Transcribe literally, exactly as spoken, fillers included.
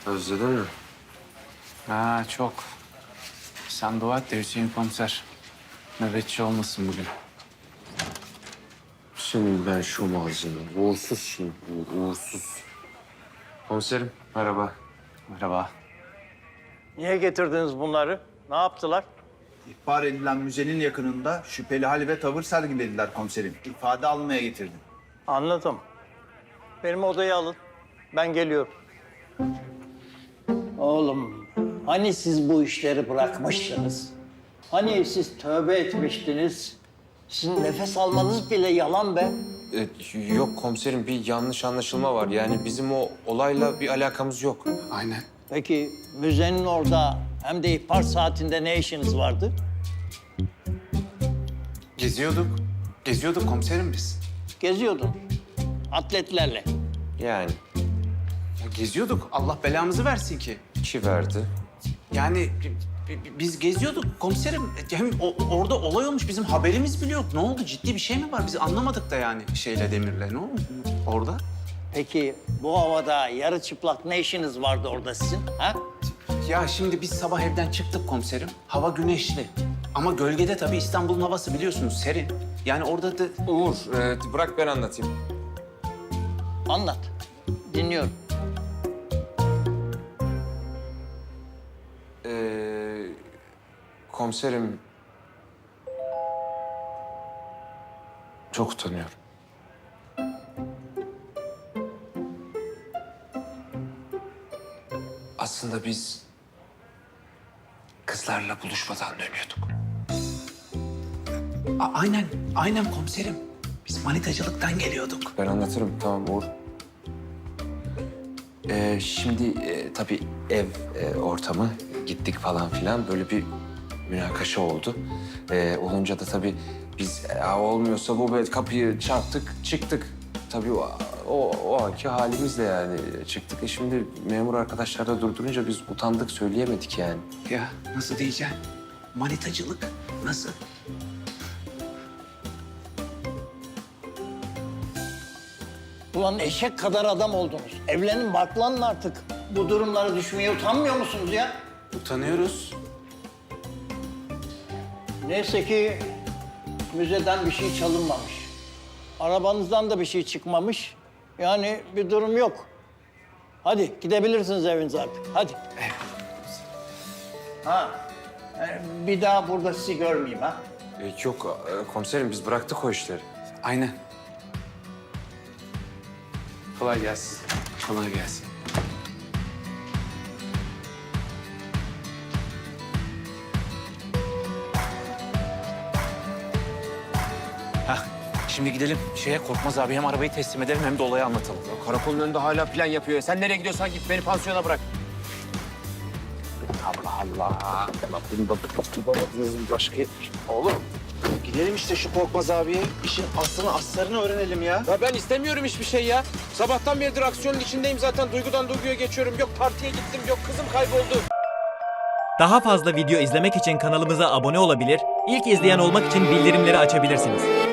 Özledin mi? Ha çok. Sen dua et de Hüseyin komiser nöbetçi olmasın bugün. Senin ben şu malzeme. Uğursuzsun. Uğursuz. Komiserim merhaba. Merhaba. Niye getirdiniz bunları? Ne yaptılar? İhbar edilen müzenin yakınında şüpheli hal ve tavır sergilediler komiserim. İfade almaya getirdim. Anladım. Benim odayı alın. Ben geliyorum. Oğlum, hani siz bu işleri bırakmıştınız? Hani siz tövbe etmiştiniz? Sizin nefes almanız bile yalan be. Ee, yok komiserim bir yanlış anlaşılma var. Yani bizim o olayla bir alakamız yok. Aynen. Peki müzenin orada hem de ihbar saatinde ne işiniz vardı? Geziyorduk. Geziyorduk komiserim biz. Geziyordun. Atletlerle. Yani Ya geziyorduk. Allah belamızı versin ki. iki verdi. Yani bi- bi- biz geziyorduk komiserim. Hem o- orada olay olmuş bizim haberimiz bile yok. Ne oldu? Ciddi bir şey mi var? Biz anlamadık da yani şeyle Demir'le. Ne oldu orada? Peki bu havada yarı çıplak ne işiniz vardı orada sizin? Ha? Ya şimdi biz sabah evden çıktık komiserim. Hava güneşli. Ama gölgede tabii İstanbul'un havası biliyorsunuz serin. Yani orada da Uğur e, bırak ben anlatayım. Anlat. Dinliyorum. Ee, komiserim çok utanıyorum. Aslında biz kızlarla buluşmadan dönüyorduk. A- aynen, aynen komiserim. Biz manitacılıktan geliyorduk. Ben anlatırım tamam Uğur. Ee, şimdi e, tabii ev e, ortamı gittik falan filan böyle bir münakaşa oldu. Ee, olunca da tabii biz e, olmuyorsa bu böyle kapıyı çarptık çıktık. Tabii o, o, o anki halimizle yani çıktık. E şimdi memur arkadaşlar da durdurunca biz utandık söyleyemedik yani. Ya nasıl diyeceğim? Manitacılık nasıl? Ulan eşek kadar adam oldunuz. Evlenin barklanın artık. Bu durumlara düşmeye utanmıyor musunuz ya? Utanıyoruz. Neyse ki müzeden bir şey çalınmamış. Arabanızdan da bir şey çıkmamış. Yani bir durum yok. Hadi gidebilirsiniz evinize artık. Hadi. Ha. e, Bir daha burada sizi görmeyeyim ha. E, yok e, komiserim biz bıraktık o işleri. Aynen. Kolay gelsin. Kolay gelsin. Hah, şimdi gidelim şeye Korkmaz abi hem arabayı teslim edelim hem de olayı anlatalım. Karakolun önünde hala plan yapıyor. Sen nereye gidiyorsan git beni pansiyona bırak. Allah Allah. Bunu da tutamadınız başka yetmiş. Oğlum gidelim işte şu Korkmaz abiye. İşin aslını aslarını öğrenelim ya. Ya ben istemiyorum hiçbir şey ya. Sabahtan beridir aksiyonun içindeyim zaten. Duygudan duyguya geçiyorum. Yok partiye gittim, yok kızım kayboldu. Daha fazla video izlemek için kanalımıza abone olabilir, ilk izleyen olmak için bildirimleri açabilirsiniz.